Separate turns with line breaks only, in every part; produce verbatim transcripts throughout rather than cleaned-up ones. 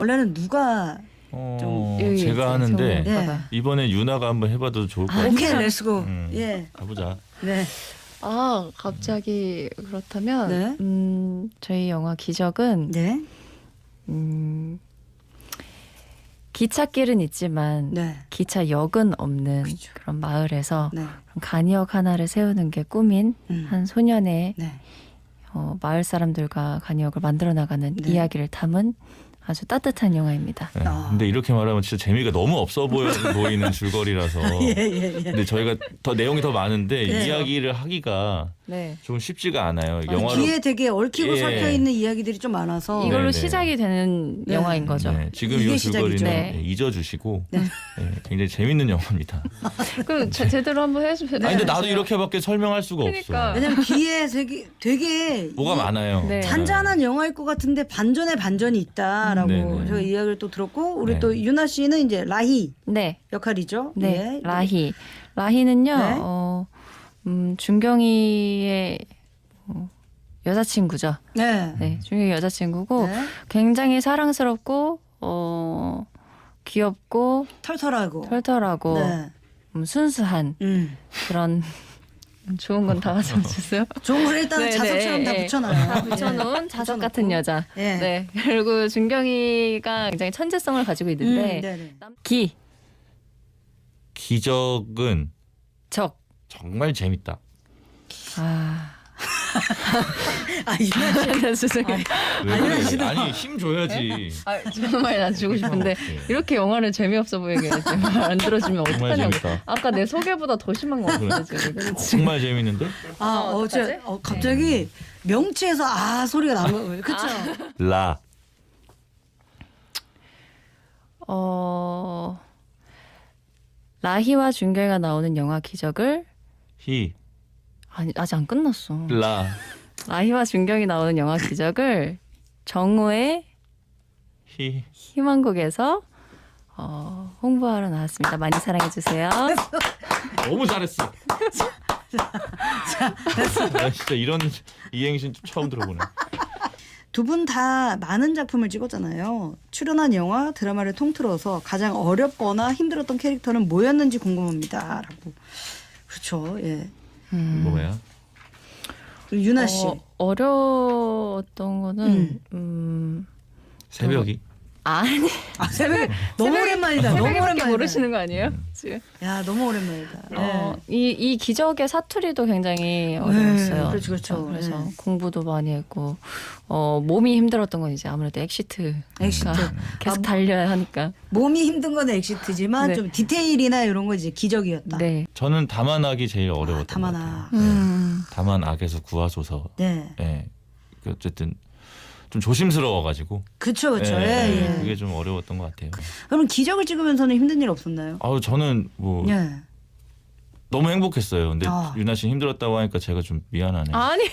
원래는 누가
어,
좀
제가 하는데
네.
이번에 유나가 한번 해봐도 좋을 것
아,
같아요.
오케이 렛츠고.
음,
예.
가보자.
네.
아 갑자기 그렇다면
네.
음, 저희 영화 기적은
네.
음, 기찻길은 있지만
네.
기차역은 없는
그죠.
그런 마을에서
네.
간이역 하나를 세우는 게 꿈인
음.
한 소년의
네.
어, 마을 사람들과 간이역을 만들어 나가는
네.
이야기를 담은 아주 따뜻한 영화입니다.
네.
아.
근데 이렇게 말하면 진짜 재미가 너무 없어 보여, 보이는 줄거리라서.
예, 예, 예.
근데 저희가 더 내용이 더 많은데
네.
이야기를 하기가
네.
좀 쉽지가 않아요.
아,
영화로
귀에 되게 얽히고
예.
섞여 있는 이야기들이 좀 많아서
이걸로
네, 네.
시작이 되는
네.
영화인 거죠.
네, 지금
이게
이 줄거리는
시작이죠.
네.
네, 잊어주시고
네.
네, 굉장히 재밌는 영화입니다.
그럼 제, 제대로 한번 해주세요.
아니 근데 나도 이렇게밖에 설명할 수가
그러니까.
없어.
왜냐면 귀에 되게 되게
뭐가
이-
많아요.
네.
잔잔한 영화일 것 같은데 반전에 반전이 있다라고
네, 네.
제가 이야기를 또 들었고 우리
네.
또 유나 씨는 이제 라희
네.
역할이죠.
네,
예.
라희. 라희는요,
네.
어, 음, 준경이의 어, 여자친구죠.
네.
네, 준경이 여자친구고
네.
굉장히 사랑스럽고, 어, 귀엽고,
털털하고.
털털하고,
네.
음, 순수한
음.
그런 좋은 건 다 가져주세요.
좋은 걸 일단
네,
자석처럼
네,
다
네.
붙여놔요.
다 붙여놓은
예.
자석
붙여놓고.
같은 여자.
예.
네. 그리고 준경이가 굉장히 천재성을 가지고
음,
있는데,
네네.
기,
기적은
적.
정말 재밌다.
아,
아 유나 씨.
죄송해요.
왜
아니,
그래?
싫어.
아니 힘 줘야지.
아, 정말 나 주고 싶은데
네.
이렇게 영화를 재미없어 보이게 말 안 들어주면
정말
어떡하냐고.
재밌다.
아까 내 소개보다 더 심한 거 같은데 지금.
정말 재밌는데?
아
어,
어제
어떡하지?
어, 갑자기 명치에서 아 소리가 난 거예요. 그렇죠.
라
어 라희와 준결가 나오는 영화 기적을
히,
아니 아직 안 끝났어.
라,
라희와 준경이 나오는 영화 기적을 정우의
히.
희망곡에서 어, 홍보하러 나왔습니다. 많이 사랑해 주세요.
너무 잘했어. 나 진짜 이런 이행신 처음 들어보네.
두 분 다 많은 작품을 찍었잖아요. 출연한 영화, 드라마를 통틀어서 가장 어렵거나 힘들었던 캐릭터는 뭐였는지 궁금합니다.라고. 그렇죠. 예.
음.
뭐야?
그리고 유나 씨.
어, 어려웠던 거는
음.
음,
새벽이.
아니
아, 새벽 너무 오랜만이다. 너무
새벽에
오랜만이다.
모르시는 거 아니에요? 지금?
야 너무 오랜만이다.
어,
예.
이, 이 기적의 사투리도 굉장히 어려웠어요.
그렇죠, 그렇죠.
그래서
네.
공부도 많이 했고 어, 몸이 힘들었던 건 이제 아무래도 엑시트.
엑시트.
계속
아,
달려야 하니까.
몸이 힘든 건 엑시트지만
네.
좀 디테일이나 이런 거 이제 기적이었다.
네.
저는 다만악이 제일 어려웠던 것
다만악.
같아요.
음.
다만악에서 구하소서.
네.
예. 그 어쨌든 좀 조심스러워가지고.
그렇죠, 그렇죠.
예,
예,
예.
예.
그게 좀 어려웠던 것 같아요.
그럼 기적을 찍으면서는 힘든 일 없었나요?
아우 저는 뭐
예.
너무 행복했어요. 근데
아.
유나 씨 힘들었다고 하니까 제가 좀 미안하네요.
아니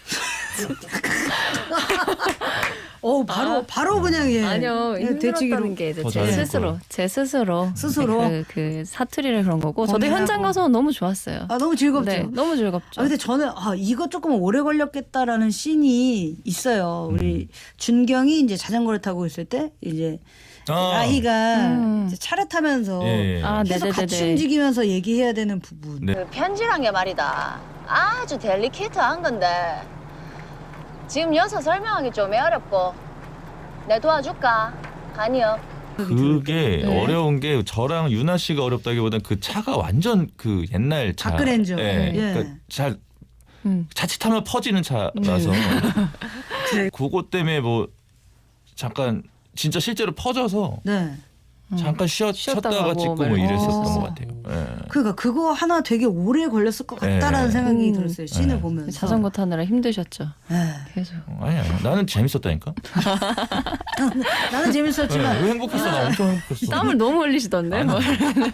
어 바로 바로 그냥 예.
아니요
예,
힘들었다는
되치기로.
게 이제
더
제
잘했을
스스로
거예요.
제 스스로
스스로?
그, 그 사투리를 그런 거고 저도
고민하고.
현장 가서 너무 좋았어요.
아 너무 즐겁죠.
네, 너무 즐겁죠.
아 근데 저는 아 이거 조금 오래 걸렸겠다라는 씬이 있어요. 우리 준경이 이제 자전거를 타고 있을 때 이제
아.
라희가
음.
이제 차를 타면서
예, 예.
아,
계속 같이
네네네네.
움직이면서 얘기해야 되는 부분.
네.
그 편지란 게 말이다. 아주 델리케이트한 건데 지금 여기서 설명하기 좀 어렵고 내 도와줄까? 간이요.
그게
네.
어려운 게 저랑 유나 씨가 어렵다기보다는 그 차가 완전 그 옛날 차.
다크렌저.
예.
예.
그러니까 잘
음.
자칫하면 퍼지는 차라서
그래.
그것 때문에 뭐 잠깐 진짜 실제로 퍼져서
네.
잠깐 쉬었,
쉬었다
쉬었다가
가고
찍고 뭐
막
이랬었던
이러고.
것 같아요. 예.
그러니까 그거 하나 되게 오래 걸렸을 것 같다라는
예.
생각이
음.
들었어요. 씬을
예.
보면서.
자전거 타느라 힘드셨죠.
예.
계속.
어, 아니야 나는 재밌었다니까.
나는
예,
재밌었지만
왜 행복했어? 나 엄청 행복했어.
땀을 너무 흘리시던데. 뭐.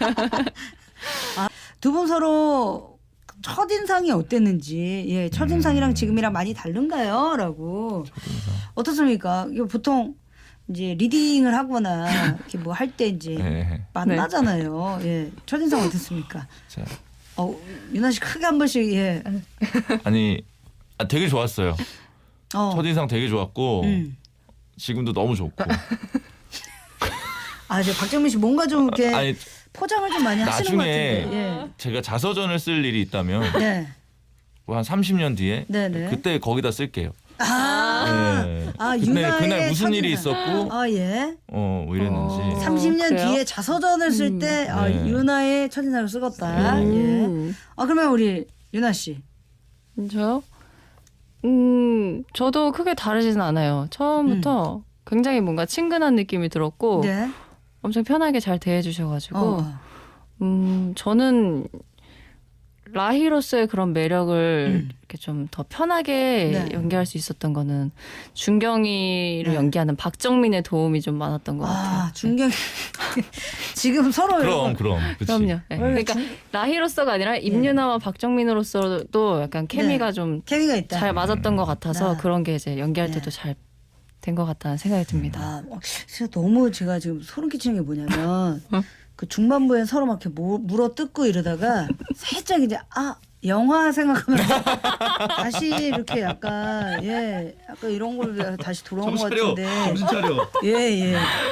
두 분 서로 첫인상이 어땠는지, 예, 첫인상이랑
음.
지금이랑 많이 다른가요? 라고. 어떻습니까? 이거 보통 이제 리딩을 하거나 이렇게 뭐 할 때 이제
예.
만나잖아요. 예. 첫인상 어땠습니까?
자,
어, 유나 씨 크게 한 번씩, 예.
아니 아, 되게 좋았어요.
어.
첫인상 되게 좋았고
음.
지금도 너무 좋고
아, 이제 박정민 씨 뭔가 좀 이렇게
아니
포장을 좀 많이 하시는 것
나중에
같은데.
제가 자서전을 쓸 일이 있다면
예. 네.
뭐한 삼십 년 뒤에
네네.
그때 거기다 쓸게요.
아,
네.
아
그날,
유나의
그날 무슨 일이
첫인상.
있었고
아 예.
어, 뭐 이랬는지.
어.
삼십 년
그래요?
뒤에 자서전을 쓸 때 아,
네.
유나의 첫인상을 쓰겄다. 예.
음.
아 그러면 우리 유나 씨.
저요? 음, 저도 크게 다르지는 않아요. 처음부터 굉장히 뭔가 친근한 느낌이 들었고
네.
엄청 편하게 잘 대해주셔가지고
어.
음, 저는 라희로서의 그런 매력을
음.
이렇게 좀 더 편하게
네.
연기할 수 있었던 거는 준경이를
네.
연기하는 박정민의 도움이 좀 많았던 것 같아요.
아 중경 지금 서로
그럼 그럼. 그치.
그럼요. 네. 그러니까 라희로서가 아니라 임유나와 박정민으로서도 약간 케미가 좀 잘
케미가 있다.
맞았던 것 같아서
아.
그런 게 이제 연기할
네.
때도 잘 된 것 같다는 생각이 듭니다.
아, 어, 진짜 너무 제가 지금 소름 끼치는 게 뭐냐면
어?
그 중반부에 서로 막 이렇게 무- 물어 뜯고 이러다가 살짝 이제 아 영화 생각하면서 다시 이렇게 약간 예 약간 이런 걸 다시 돌아온 것 같은데
차려.
예예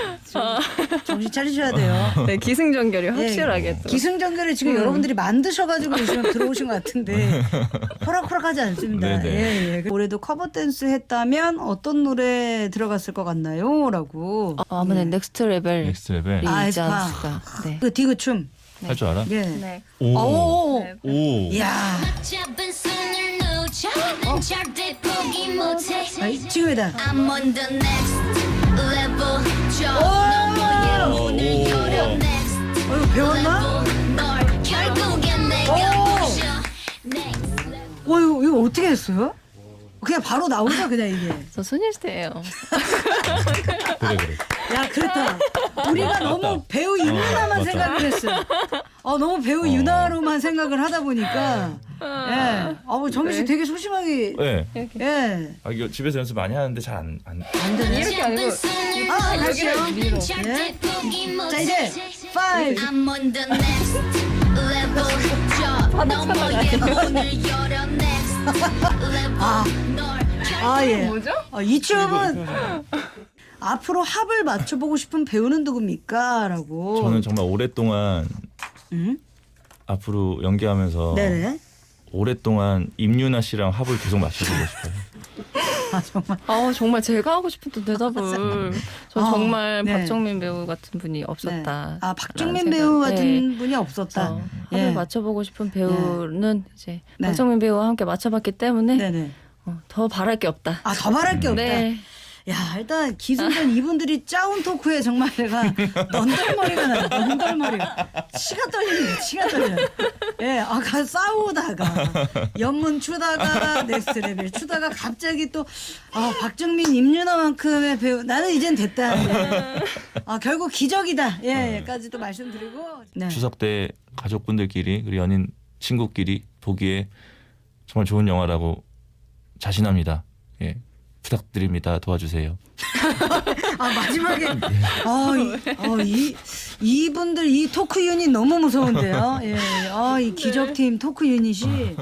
정신 차리셔야 돼요.
네, 기승전결이
예,
확실하게 또.
기승전결을 지금
음.
여러분들이 만드셔가지고 지금 들어오신 것 같은데 호락호락하지 않습니다.
네네.
예, 예. 올해도 커버 댄스 했다면 어떤 노래 들어갔을 것 같나요?라고.
아, 아무래도 넥스트 레벨이
넥스트 레벨
아,
있지
에스파.
않았을까. 네.
그 디그 춤.
할 줄 알아?
예.
네.
오.
오.
네.
오.
이야.
잡은 손을 놓쳐 난 절대 포기 못해
아, 지금이다.
I'm on the next level 저 너머의 문을 열어 next
어, 이거 배웠나?
level 널 결국엔 내가
오.
부셔 next level
어, 이거, 이거 어떻게 했어요? 그냥 바로 나오죠, 그냥 이게.
저 소녀시대예요.
그래 그래.
야, 그렇다. 우리가 너무 배우 유나만
맞다.
생각을 했어. 어, 너무 배우 유나로만 생각을 하다 보니까. 예. 아, 뭐 정민 씨 되게 소심하게.
네.
예.
아 이거 집에서 연습 많이 하는데 잘 안 안.
안 되네.
이렇게 아니고
손을
아,
놓쳐
다시요.
난 절대 포기
자,
못해
이제 five.
I'm on the next level 저 너머의 문을 열어 next level 널
아, 예.
뭐죠?
어, 이 춤은 앞으로 합을 맞춰보고 싶은 배우는 누굽니까? 라고.
저는 정말 오랫동안
음?
앞으로 연기하면서
네네.
오랫동안 임유나 씨랑 합을 계속 맞춰보고 싶어요.
아, 정말.
아 정말 제가 하고 싶었던 대답을 저
아,
정말
네.
박정민 배우 같은 분이
네.
없었다.
아, 박정민
라는
배우
생각.
같은
네.
분이 없었다.
그래서
예.
합을 맞춰보고 싶은 배우는 이제
네.
박정민 배우와 함께 맞춰봤기 때문에
네네.
어, 더 바랄 게 없다.
아, 더 말할 게 없다.
네.
야, 일단 기승전 이분들이 짜온 토크에 정말 내가 넌덜머리가 나요. 넌덜머리가. 치가 떨리네. 치가 떨려. 예, 아까 싸우다가 연문 추다가 넥스트 레벨 추다가 갑자기 또 아, 박정민, 임윤아만큼의 배우 나는 이젠 됐다. 예. 아, 결국 기적이다. 예, 까지도 말씀드리고. 네.
추석 때 가족분들끼리 그리고 연인 친구끼리 보기에 정말 좋은 영화라고 자신합니다. 예. 부탁드립니다. 도와주세요.
아 마지막에 어, 이, 어, 이 이분들 이 토크 유닛 너무 무서운데요. 예, 아이 기적팀 토크 유닛이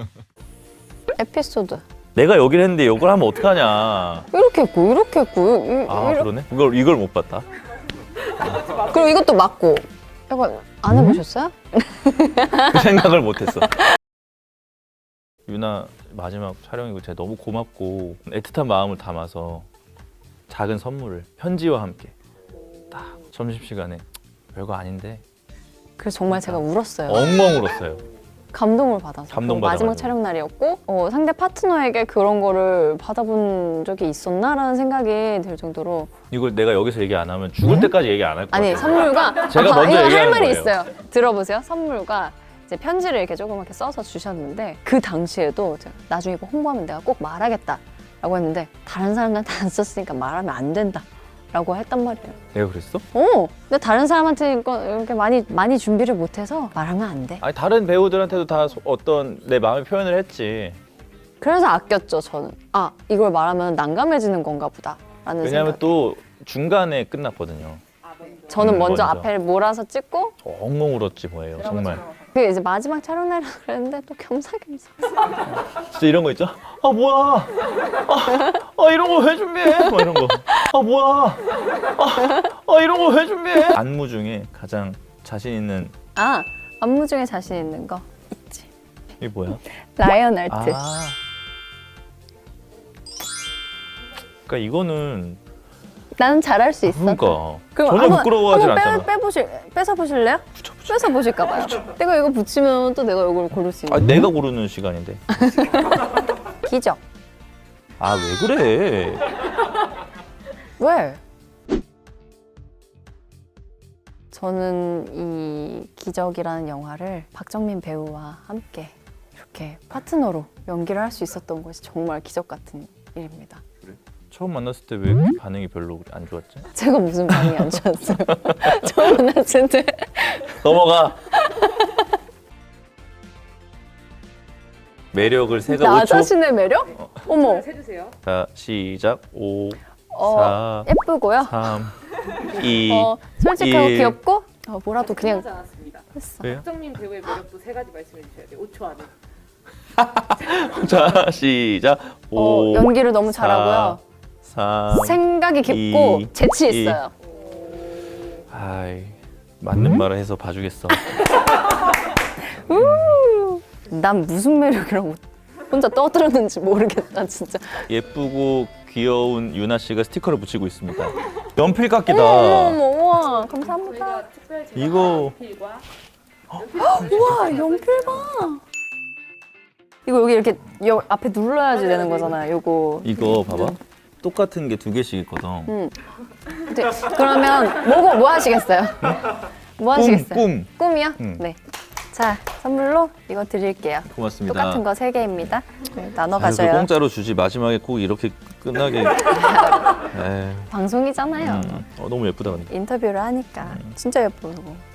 에피소드
내가 여기를 했는데 이걸 하면 어떡하냐.
이렇게 했고 이렇게 했고 이,
아
이렇게.
그러네. 이걸 이걸 못 봤다.
그리고 이것도 맞고 약간 안 해보셨어요?
그 생각을 못했어. 유나 마지막 촬영이고 제가 너무 고맙고 애틋한 마음을 담아서 작은 선물을 편지와 함께 딱 점심시간에 별거 아닌데
그래서 정말 제가 울었어요.
엉엉 울었어요.
감동을 받아서.
감동
그리고 마지막
받아가지고.
촬영 날이었고 어, 상대 파트너에게 그런 거를 받아본 적이 있었나라는 생각이 들 정도로
이걸 내가 여기서 얘기 안 하면 죽을 때까지 얘기 안 할 거야.
아니 선물과
제가
아,
먼저
이거 할
얘기하는
말이
거예요.
있어요. 들어보세요. 선물과 이제 편지를 이렇게 조그맣게 써서 주셨는데 그 당시에도 제가 나중에 이거 홍보하면 내가 꼭 말하겠다라고 했는데 다른 사람한테 안 썼으니까 말하면 안 된다라고 했단 말이에요.
내가 그랬어?
어, 근데 다른 사람한테 이거 이렇게 많이 많이 준비를 못해서 말하면 안 돼.
아니 다른 배우들한테도 다 소- 어떤 내 마음의 표현을 했지.
그래서 아꼈죠 저는. 아 이걸 말하면 난감해지는 건가 보다라는
왜냐하면
생각.
또 중간에 끝났거든요.
저는
음,
먼저,
먼저.
앞에 몰아서 찍고
엉엉 울었지 뭐예요. 정말.
그 이제 마지막 촬영 날이라 그랬는데 또 겸사겸사.
진짜 이런 거 있죠? 아 뭐야? 아, 아 이런 거 왜 준비해? 뭐 이런 거. 아 뭐야? 아, 아 이런 거 왜 준비해? 안무 중에 가장 자신 있는
아 안무 중에 자신 있는 거 있지.
이게 뭐야?
라이언 아트.
아. 그러니까 이거는
나는 잘할 수 있어.
그러니까
그럼
전혀
한번-
부끄러워하진
한번
않잖아.
빼, 빼보실, 뺏어 보실래요? 뺏어 보실까 봐요. 내가 이거 붙이면 또 내가 이걸 고를 수
아
있는.
내가 고르는 시간인데.
기적.
아 왜 그래?
왜? 저는 이 기적이라는 영화를 박정민 배우와 함께 이렇게 파트너로 연기를 할 수 있었던 것이 정말 기적 같은 일입니다.
처음 만났을 때 왜 반응이 별로 안 좋았지?
제가 무슨 반응이 안 좋았어요. 처음 만났을 때.
넘어가. 매력을 세가
나
오 초.
자신의 매력? 어머.
자 시작. 오,
어,
사,
예쁘고요.
삼, 이.
어, 솔직하고
일.
귀엽고 어, 뭐라도 그냥 했어.
왜요?
박정민 배우의 매력도 세 가지 말씀해 주셔야 돼요. 오 초 안에.
자 시작.
어,
오,
연기를 너무 잘하고요.
사,
생각이 깊고
이,
재치
이.
있어요.
아이 맞는 말을 해서 봐주겠어.
난 무슨 매력이라고 혼자 떠들었는지 모르겠다 진짜.
예쁘고 귀여운 유나 씨가 스티커를 붙이고 있습니다. 연필 깎이다.
어머 우와 감사합니다.
저희가 특별 제작
이거
필과
우와 연필 봐. 이거 여기 이렇게 여, 앞에 눌러야지 되는 거잖아요. 요거.
이거 봐봐. 똑같은 게 두 개씩 있거든.
음. 네, 그러면 뭐고 뭐 하시겠어요? 뭐 하시겠어요?
꿈.
꿈이요?
음.
네. 자 선물로 이거 드릴게요.
고맙습니다.
똑같은 거 세 개입니다. 네, 나눠
아유,
가져요.
그 공짜로 주지 마지막에 꼭 이렇게 끝나게. 에이,
방송이잖아요.
음. 어, 너무 예쁘다 근데.
인터뷰를 하니까 진짜 예뻐요. 이거.